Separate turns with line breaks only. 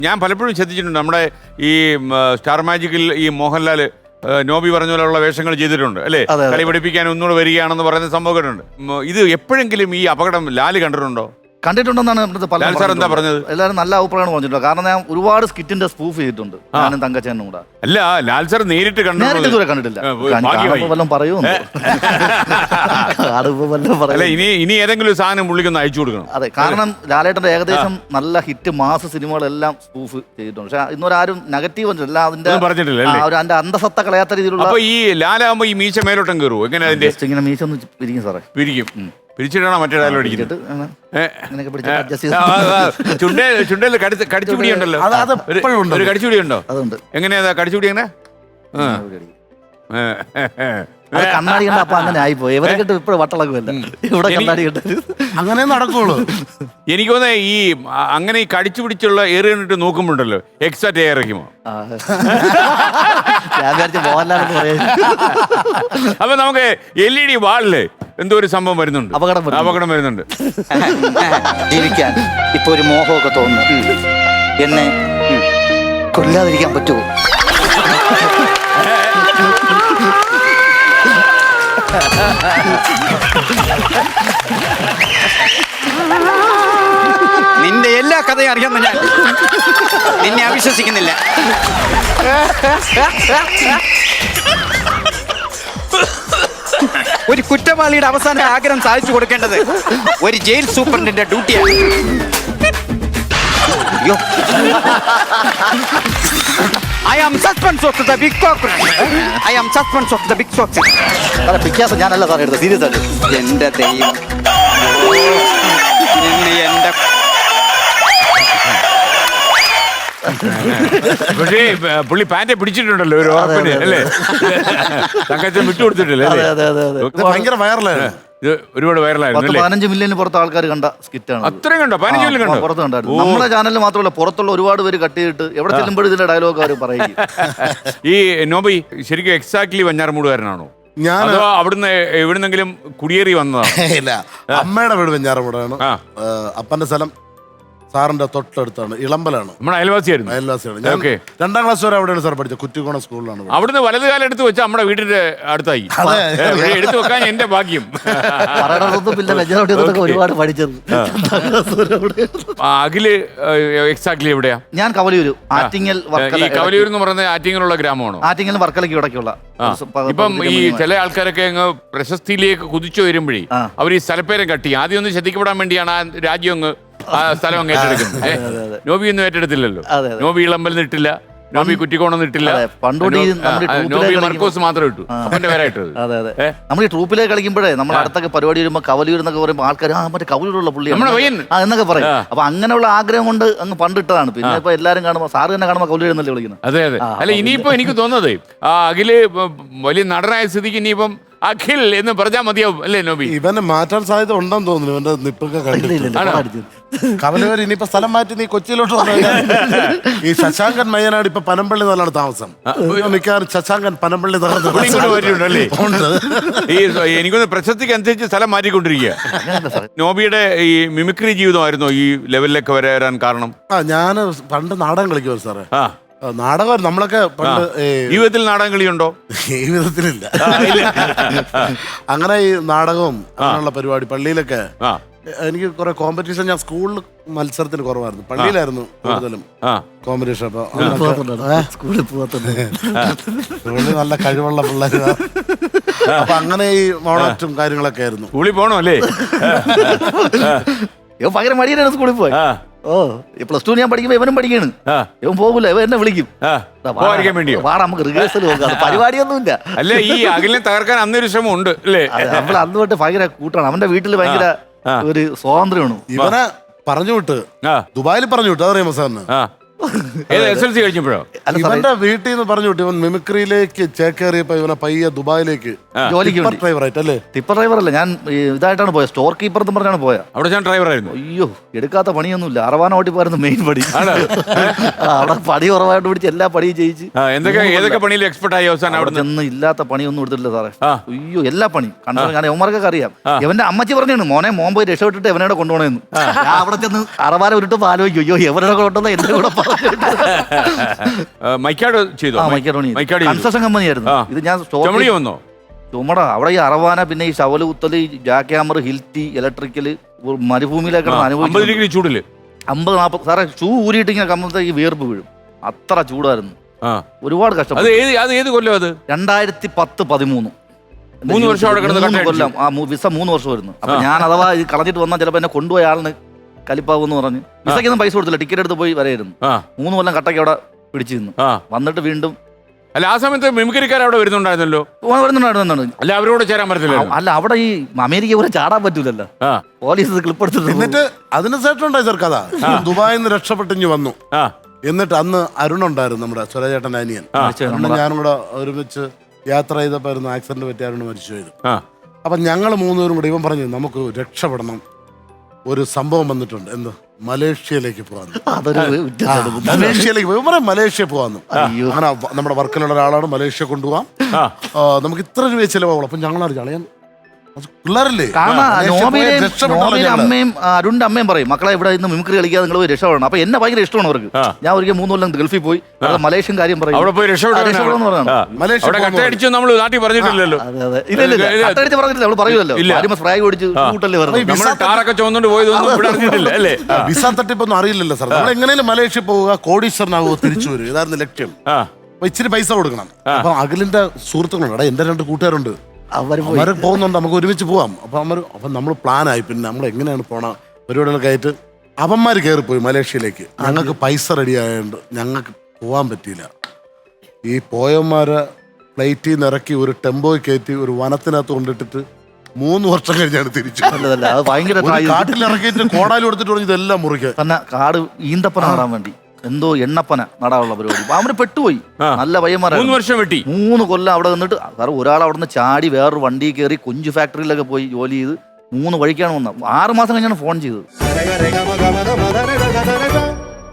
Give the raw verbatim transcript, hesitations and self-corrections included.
ഞാൻ പലപ്പോഴും ശ്രദ്ധിച്ചിട്ടുണ്ട് നമ്മുടെ ഈ സ്റ്റാർ മാജിക്കിൽ ഈ മോഹൻലാൽ നോബി പറഞ്ഞ പോലുള്ള വേഷങ്ങൾ ചെയ്തിട്ടുണ്ട് അല്ലേ? കളി പഠിപ്പിക്കാൻ ഒന്നുകൂടെ വരികയാണെന്ന് പറയുന്ന സംഭവം കേട്ടിട്ടുണ്ട്. ഇത് എപ്പോഴെങ്കിലും ഈ അപകടം ലാല് കണ്ടിട്ടുണ്ടോ?
കണ്ടിട്ടുണ്ടെന്നാണ്
എന്താ പറഞ്ഞത്?
എല്ലാവരും നല്ല അഭിപ്രായമാണ് പറഞ്ഞിട്ടുണ്ട്. കാരണം ഞാൻ ഒരുപാട് സ്കിറ്റിന്റെ സ്പൂഫ് ചെയ്തിട്ടുണ്ട് ഞാനും തങ്കച്ചനും കൂടെ.
അല്ല, ലാൽ സാർ നേരിട്ട്
നേരിട്ട് കണ്ടിട്ടില്ല. വല്ലതും പറയൂ.
അല്ല, ഇനി ഇനി ഏതെങ്കിലും സാധനം പുള്ളിക്കൊന്ന് അയച്ചു കൊടുക്കണം.
അതെ, കാരണം ലാലേട്ടന്റെ ഏകദേശം നല്ല ഹിറ്റ് മാസ സിനിമകളെല്ലാം സ്പൂഫ് ചെയ്തിട്ടുണ്ട്. പക്ഷെ ഇന്നൊരാരും നെഗറ്റീവ് അല്ല അതിന്റെ
പറഞ്ഞിട്ടില്ല.
അതിന്റെ അന്തസത്ത കളയാത്ത രീതിയിലുള്ള.
അപ്പൊ ഈ ലാലാകുമ്പോ ഈ മീശ മേലോട്ടം കയറുമോ? എങ്ങനെ അതിന്റെ
ഇങ്ങനെ മീശ ഒന്ന് പിരിക്കും സാറേ.
പിരിക്കും. പിരിച്ചിട്ടാണോ മറ്റേ ഡയലോഗ് അടിക്കുന്നത്? ചുണ്ടേ ചുണ്ടേല് കടിച്ചുപിടി ഉണ്ടല്ലോ, ഒരു കടിച്ചുപിടി ഉണ്ടോ? അതുണ്ട്. എങ്ങനെയാ കടിച്ചുപിടി? എങ്ങനെ
കണ്ണാടി കണ്ട അപ്പൊ അങ്ങനെ ആയിപ്പോയി. ഇവരെ കിട്ടും ഇപ്പോഴും വട്ടളക്കുമല്ല ഇവിടെ കണ്ണാടി കണ്ട
അങ്ങനെ നടക്കുള്ളൂ.
എനിക്ക് തോന്നുന്നേ ഈ അങ്ങനെ ഈ കടിച്ചു പിടിച്ചുള്ള എയർ കണ്ടിട്ട് നോക്കുമ്പോണ്ടല്ലോ എക്സ്ട്രാ എയർ ഇറക്കുമോ?
ഞാൻ വിചാരിച്ച മോഹൻലാലെന്ന് പറയാ.
അപ്പൊ നമുക്ക് എൽ ഇ ഡി വാളില് എന്തോ ഒരു സംഭവം വരുന്നുണ്ട്,
അപകടം
അപകടം വരുന്നുണ്ട്.
ജീവിക്കാൻ ഇപ്പൊ ഒരു മോഹമൊക്കെ തോന്നുന്നു. എന്നെ കൊല്ലാതിരിക്കാൻ പറ്റുമോ? നിന്റെ എല്ലാ കഥയും അറിയാമെന്ന് ഞാൻ നിന്നെ അവിശ്വസിക്കുന്നില്ല. ഒരു കുറ്റവാളിയുടെ അവസാന ആഗ്രഹം സാധിച്ചു കൊടുക്കേണ്ടത് ഒരു ജയിൽ സൂപ്രണ്ടിന്റെ ഡ്യൂട്ടിയാണ്. അയ്യോ, I am suspense of the big fox. I am suspense of the big fox.
പിക്കാസ് ഞാനല്ല സാറേ എടുത്തത്, സീരിയസ് ആയിട്ട്.
എന്റെ ദൈവം, എന്റെ
പക്ഷേ പുള്ളി പാൻറെ പിടിച്ചിട്ടുണ്ടല്ലോ ഒരു ഉറപ്പിന് അല്ലേ? തങ്കച്ചൻ വിട്ടുകൊടുത്തിട്ടില്ലേ?
ഭയങ്കര വൈറലാണ്.
ഇത് ഒരുപാട് വൈറലായിരുന്നു.
പതിനഞ്ച് മില്യന് പുറത്ത് ആൾക്കാർ കണ്ട സ്കിറ്റാണ്.
അത്രയും കണ്ടോ? പതിനഞ്ച് മില്യൻ കണ്ടോ?
പുറത്ത് കണ്ടായിരുന്നു. നമ്മുടെ ചാനലിൽ മാത്രമല്ല, പുറത്തുള്ള ഒരുപാട് പേര് കട്ട് ചെയ്തിട്ട് എവിടെ ചെല്ലുമ്പോഴും ഇതിന്റെ ഡയലോഗ് അവർ പറയും.
ഈ നോബി ശരിക്കും എക്സാക്ട്ലി വഞ്ഞാറമൂടുകാരനാണോ?
ഞാൻ
അവിടുന്ന് എവിടുന്നെങ്കിലും കുടിയേറി വന്നതാണ്?
ഇല്ല, അമ്മയുടെ വീട് വെഞ്ഞാറമൂടാണ്. അപ്പന്റെ സ്ഥലം സാറിന്റെ തൊട്ടടുത്താണ്, ഇളമ്പലാണ്.
നമ്മുടെ അയൽവാസിയായിരുന്നു.
അയൽവാസിയാണ്. രണ്ടാം ക്ലാസ് വരെ അവിടെയാണ് സാർ പഠിച്ചത്, കുറ്റിക്കോണ സ്കൂളിലാണ്.
അവിടുന്ന് വലത് കാലം എടുത്ത് വെച്ചാൽ നമ്മുടെ വീടിന്റെ അടുത്തായി. എടുത്തു വെക്കാൻ എന്റെ ഭാഗ്യം.
ഒരുപാട് പഠിച്ചത്.
അഖില് എക്സാക്ട്ലി എവിടെയാ?
ഞാൻ കവലിയൂര്, ആറ്റിങ്ങൽ.
ഈ കവലിയൂർ എന്ന് പറയുന്നത് ആറ്റിങ്ങലുള്ള ഗ്രാമമാണോ?
ആറ്റിങ്ങൽ വർക്കലയ്ക്ക് ഇടയ്ക്കുള്ള.
ഇപ്പം ഈ ചില ആൾക്കാരൊക്കെ അങ്ങ് പ്രശസ്തിയിലേക്ക് കുതിച്ചു വരുമ്പോഴേ അവർ ഈ സ്ഥലപ്പേരം കട്ടി ആദ്യം ഒന്ന് ശ്രദ്ധിക്കപ്പെടാൻ വേണ്ടിയാണ് ആ രാജ്യം അങ്ങ് ആ സ്ഥലം അങ്ങ് ഏറ്റെടുക്കുന്നത്. നോബി ഒന്നും ഏറ്റെടുത്തില്ലല്ലോ. നോബി ഇളമ്പൽ നിട്ടില്ല, നോബി കുറ്റിക്കോണം നിട്ടില്ല, നോബി മർക്കോസ് മാത്രം ഇട്ടു. അവന്റെ പേരായിട്ടത്.
അതെ അതെ, നമ്മൾ ഈ ട്രൂപ്പിലേക്ക് കളിക്കുമ്പോഴേ നമ്മൾ അടുത്തൊക്കെ പരിപാടി വരുമ്പോൾ കവലിയൂർ എന്നൊക്കെ പറയുമ്പോൾ ആൾക്കാർ ആ മറ്റേ കവലിയൂരുള്ള പുള്ളി എന്നൊക്കെ പറയും. അപ്പൊ അങ്ങനെയുള്ള ആഗ്രഹം കൊണ്ട് അങ്ങ് പണ്ടിട്ടതാണ്. പിന്നെ ഇപ്പൊ എല്ലാരും കാണുമ്പോൾ സാറ് തന്നെ കാണുമ്പോൾ കവലിയൂർ എന്നല്ലേ വിളിക്കുന്നത്.
അതെ അതെ. അല്ല, ഇനിയിപ്പോ എനിക്ക് തോന്നുന്നത് ആ അഖില് വലിയ നടനായ സ്ഥിതിക്ക് ഇനിയിപ്പം അഖിൽ എന്ന് പറഞ്ഞാൽ മതിയാവും അല്ലേ നോബി?
ഇവനെ മാറ്റാൻ സാധ്യത ഉണ്ടെന്ന് തോന്നുന്നു. ഇവന്റെ നിപ്പൊക്കെ കണ്ടില്ല. കവലൂർ ഇനിയിപ്പോ സ്ഥലം മാറ്റി നീ കൊച്ചിയിലോട്ട് വന്നു. ഈ ശശാങ്കൻ മയ്യനാട് ഇപ്പൊ പനമ്പള്ളി നല്ലാണ് താമസം. മിക്കവാറും ശശാങ്കൻ പനമ്പള്ളി
വരുന്നുണ്ടല്ലേ? ഈ എനിക്കൊന്ന് പ്രശസ്തിക്ക് അനുസരിച്ച് സ്ഥലം മാറ്റിക്കൊണ്ടിരിക്കുക. നോബിയുടെ ഈ മിമിക്രി ജീവിതമായിരുന്നോ ഈ ലെവലിലേക്ക് വരാൻ കാരണം?
ആ, ഞാൻ പണ്ട് നാടകം കളിക്കുമോ സാറേ. നാടകം നമ്മളൊക്കെ പണ്ട്
ജീവിതത്തിൽ നാടകം കളിയുണ്ടോ?
ജീവിതത്തിലില്ല. അങ്ങനെ ഈ നാടകവും അങ്ങനെയുള്ള പരിപാടി പള്ളിയിലൊക്കെ എനിക്ക് കുറെ കോമ്പറ്റീഷൻ. ഞാൻ സ്കൂളിൽ മത്സരത്തിന് കുറവായിരുന്നു, പള്ളിയിലായിരുന്നു കൂടുതലും കോമ്പറ്റീഷൻ. അപ്പൊ സ്കൂളിൽ നല്ല കഴിവുള്ള പിള്ളേർ. അപ്പൊ അങ്ങനെ ഈ മോണാക്റ്റും കാര്യങ്ങളൊക്കെ ആയിരുന്നു.
സ്കൂളിൽ പോണോ അല്ലേ?
ഭയങ്കര മടിയാണ് സ്കൂളിൽ പോയി. ഓ, പ്ലസ് ടു ഞാൻ പഠിക്കുമ്പോ ഇവനും പഠിക്കാണ്. ഇവൻ പോകൂല, ഇവൻ എന്നെ വിളിക്കും വാടാ നമുക്ക് റിഹേഴ്സൽ നോക്കാം. പരിപാടിയൊന്നുമില്ല.
അല്ല, ഈ അഖിലിനെ തകർക്കാൻ അന്നൊരു ശ്രമം ഉണ്ട് അല്ലേ?
നമ്മൾ അന്ന് തൊട്ട് ഭയങ്കര കൂട്ടാണ്. അവന്റെ വീട്ടിൽ ഭയങ്കര ഒരു സ്വാതന്ത്ര്യമാണ്.
ഇവനെ പറഞ്ഞു വിട്ട് ദുബായിൽ പറഞ്ഞു വിട്ടു. അതറിയാമോ സാറിന്?
എസ് എൽ സി കഴിഞ്ഞപ്പോഴോ?
ഇവന്റെ വീട്ടിൽ നിന്ന് പറഞ്ഞു വിട്ടു. ഇവൻ മിമിക്രിയിലേക്ക് ചേക്കേറിയപ്പോ ഇവനെ പയ്യെ ദുബായിലേക്ക്
ജോലിക്ക്
ഡ്രൈവർ ആയിട്ടല്ലേ?
ടിപ്പർ ഡ്രൈവർ അല്ല, ഞാൻ ഇതായിട്ടാണ് പോയത്, സ്റ്റോർ കീപ്പർ എന്ന് പറഞ്ഞാണ് പോയത്.
അവിടെ ഞാൻ ഡ്രൈവർ ആയിരുന്നു.
അയ്യോ, എടുക്കാത്ത പണിയൊന്നുമില്ല. അറവാന ഓട്ടി പോയിരുന്നു മെയിൻ പണി. അവിടെ പണി കുറവായിട്ട് പിടിച്ച് എല്ലാ പണിയും ചെയ്യിച്ച്.
എന്തൊക്കെ ഏതൊക്കെ പണിയിൽ എക്സ്പെർട്ട് ആയി അവസാനം? അവിടെ
ചെന്ന് ഇല്ലാത്ത പണിയൊന്നും എടുത്തിട്ടില്ല സാറേ. അയ്യോ, എല്ലാ പണി കണ്ടോ. ഞാൻ യവന്മാർക്കൊക്കെ അറിയാം. ഇവന്റെ അമ്മച്ചി പറഞ്ഞാണ് മോനെ മോൻ പോയി രക്ഷപ്പെട്ടിട്ട് എവനോടെ കൊണ്ടുപോകണമെന്ന്. ഞാൻ അവിടെ ചെന്ന് അറവാന ഉരുട്ടപ്പോ ആലോചിക്കും, അയ്യോ എവനോടെ കൊണ്ടുവന്ന എന്റെ കൂടെ
മൈക്കാട് ചെയ്തു
ആ മൈക്കാടോണി
മൈക്കാട്
കൺസ്ട്രക്ഷൻ കമ്പനിയായിരുന്നു. ഇത് ഞാൻ
ചുമടി വന്നോ?
ചുമട അവിടെ ഈ അറവാന, പിന്നെ ഈ ശവല് കുത്തല്, ജാക്ക് ഹാമർ, ഹിൽറ്റി, ഇലക്ട്രിക്കല്, മരുഭൂമിയിലൊക്കെ അനുഭവിച്ചു.
അമ്പത് ഡിഗ്രി ചൂടില്
അമ്പത് നാൽപ്പത് സാറേ ഷൂ ഊരിയിട്ട് ഇങ്ങനെ കമ്പത്തേക്ക് വിയർപ്പ് വീഴും. അത്ര ചൂടായിരുന്നു. ഒരുപാട് കഷ്ടപ്പെട്ടു.
അത് ഏത് കൊല്ലം? അത്
രണ്ടായിരത്തി പത്ത് പതിമൂന്ന്
മൂന്ന് വർഷം അവിടെ കിടന്ന്
കൊല്ലം. ആ വിസ മൂന്ന് വർഷം വരുന്നു. അപ്പൊ ഞാൻ അഥവാ ഇത് കളഞ്ഞിട്ട് വന്നാൽ ചിലപ്പോൾ എന്നെ കൊണ്ടുപോയ ആളിന് കലിപ്പാവെന്ന് പറഞ്ഞ് വിസയ്ക്കൊന്നും പൈസ കൊടുത്തില്ല, ടിക്കറ്റ് എടുത്ത് പോയി വരെയായിരുന്നു. മൂന്ന് കൊല്ലം കട്ടയ്ക്ക് അവിടെ പിടിച്ചു നിന്നു. വന്നിട്ട് വീണ്ടും
അല്ല ആ സമയത്ത് മിമിക്രിക്കാർ അവിടെ വരുന്നുണ്ടായിരുന്നല്ലോ.
വരുന്നുണ്ടായിരുന്നു.
അല്ല അവരോട് ചേരാൻ പറ്റത്തില്ല.
അല്ല അവിടെ ഈ അമേരിക്ക പോലെ ചാടാൻ പറ്റൂലല്ലോ, പോലീസ് ക്ലിപ്പ് എടുത്തിട്ട്.
എന്നിട്ട് അതിന് ശേഷം ഉണ്ടായി സാർ കഥ. ദുബായിൽ നിന്ന് രക്ഷപ്പെട്ടിഞ്ഞ് വന്നു. എന്നിട്ട് അന്ന് അരുൺ ഉണ്ടായിരുന്നു, നമ്മുടെ സ്വരചേട്ടൻ അനിയൻ. ഞാനും കൂടെ ഒരുമിച്ച് യാത്ര ചെയ്തപ്പോയിരുന്നു ആക്സിഡന്റ് പറ്റി അരുൺ മരിച്ചു പോയത്. അപ്പൊ ഞങ്ങൾ മൂന്നുപേരും കൂടെ ഇവൻ പറഞ്ഞു നമുക്ക് രക്ഷപ്പെടണം, ഒരു സംഭവം വന്നിട്ടുണ്ട്, എന്ത് മലേഷ്യയിലേക്ക് പോകാന്ന്. മലേഷ്യയിലേക്ക് പോയി പറയാം, മലേഷ്യ പോകാന്ന്. അങ്ങനെ നമ്മുടെ വർക്കിലുള്ള ഒരാളാണ്, മലേഷ്യ കൊണ്ടുപോകാം, നമുക്ക് ഇത്ര രൂപ ചിലവാകുള്ളൂ. അപ്പൊ ഞങ്ങൾ അറിയാം പിള്ളേരല്ലേ,
അമ്മയും അരുണിന്റെ അമ്മയും പറയും മക്കളെ ഇവിടെ ഇന്ന് മിമിക്രി കളിക്കാതെ നിങ്ങൾ പോയി രക്ഷപ്പെടണം. അപ്പൊ എന്നെ ഭയങ്കര ഇഷ്ടമാണ് അവർക്ക്. ഞാൻ ഒരിക്കൽ മൂന്ന് കൊല്ലം ഗൾഫിൽ പോയി മലേഷ്യൻ കാര്യം പറയും,
അവിടെ പോയി രക്ഷപ്പെടണം പറഞ്ഞു. നമ്മൾ നാട്ടിൽ പറഞ്ഞിട്ടില്ലല്ലോ.
അട്ടടിച്ച് പറഞ്ഞിട്ടില്ല, നമ്മൾ പറയുമല്ലോ ഫ്രാഗ് ഓടിച്ച് കൂട്ടല്ലേ
പറഞ്ഞത്. വിസ തട്ടിപ്പൊന്നും അറിയില്ലല്ലോ സാർ. നമ്മൾ എങ്ങനെയും മലേഷ്യ പോവുക, കോടീശ്വരനാവുക, തിരിച്ചു വരും, ഇതായിരുന്നു ലക്ഷ്യം. അപ്പൊ ഇച്ചിരി പൈസ കൊടുക്കണം. അപ്പൊ അഖിലിന്റെ സുഹൃത്തുക്കളുണ്ട്, എന്റെ രണ്ട് കൂട്ടുകാരുണ്ട്, അവര് പോകുന്നുണ്ട്, നമുക്ക് ഒരുമിച്ച് പോവാം. അപ്പൊ അവർ അപ്പൊ നമ്മൾ പ്ലാനായി. പിന്നെ നമ്മൾ എങ്ങനെയാണ് പോണ പരിപാടികളൊക്കെ ആയിട്ട് അവന്മാർ കയറിപ്പോയി മലേഷ്യയിലേക്ക്. ഞങ്ങൾക്ക് പൈസ റെഡി ആയതുകൊണ്ട് ഞങ്ങൾക്ക് പോകാൻ പറ്റിയില്ല. ഈ പോയന്മാരെ ഫ്ലൈറ്റിൽ നിന്ന് ഇറക്കി ഒരു ടെമ്പോയിൽ കയറ്റി ഒരു വനത്തിനകത്ത് കൊണ്ടിട്ടിട്ട് മൂന്ന് വർഷം കഴിഞ്ഞാണ് തിരിച്ചു. കാട്ടിൽ ഇറക്കിയിട്ട് കോടാലി കൊടുത്തിട്ട് പറഞ്ഞു ഇതെല്ലാം മുറിക്കാൻ
തന്നെ കാട് ഈന്തപ്പന നടാൻ വേണ്ടി എന്തോ എണ്ണപ്പന നടാനുള്ള പരിപാടി. അവര് പെട്ടുപോയി. നല്ല പയ്യന്മാരാണ്.
മൂന്ന് വർഷം വെട്ടി
മൂന്ന് കൊല്ലം അവിടെ നിന്നിട്ട് കാരണം ഒരാൾ അവിടെ നിന്ന് ചാടി വേറൊരു വണ്ടി കയറി കൊഞ്ചു ഫാക്ടറിയിലൊക്കെ പോയി ജോലി ചെയ്ത് മൂന്ന് വഴിക്കാണ് വന്നത്. ആറ് മാസം കഴിഞ്ഞാണ് ഫോൺ ചെയ്തത്.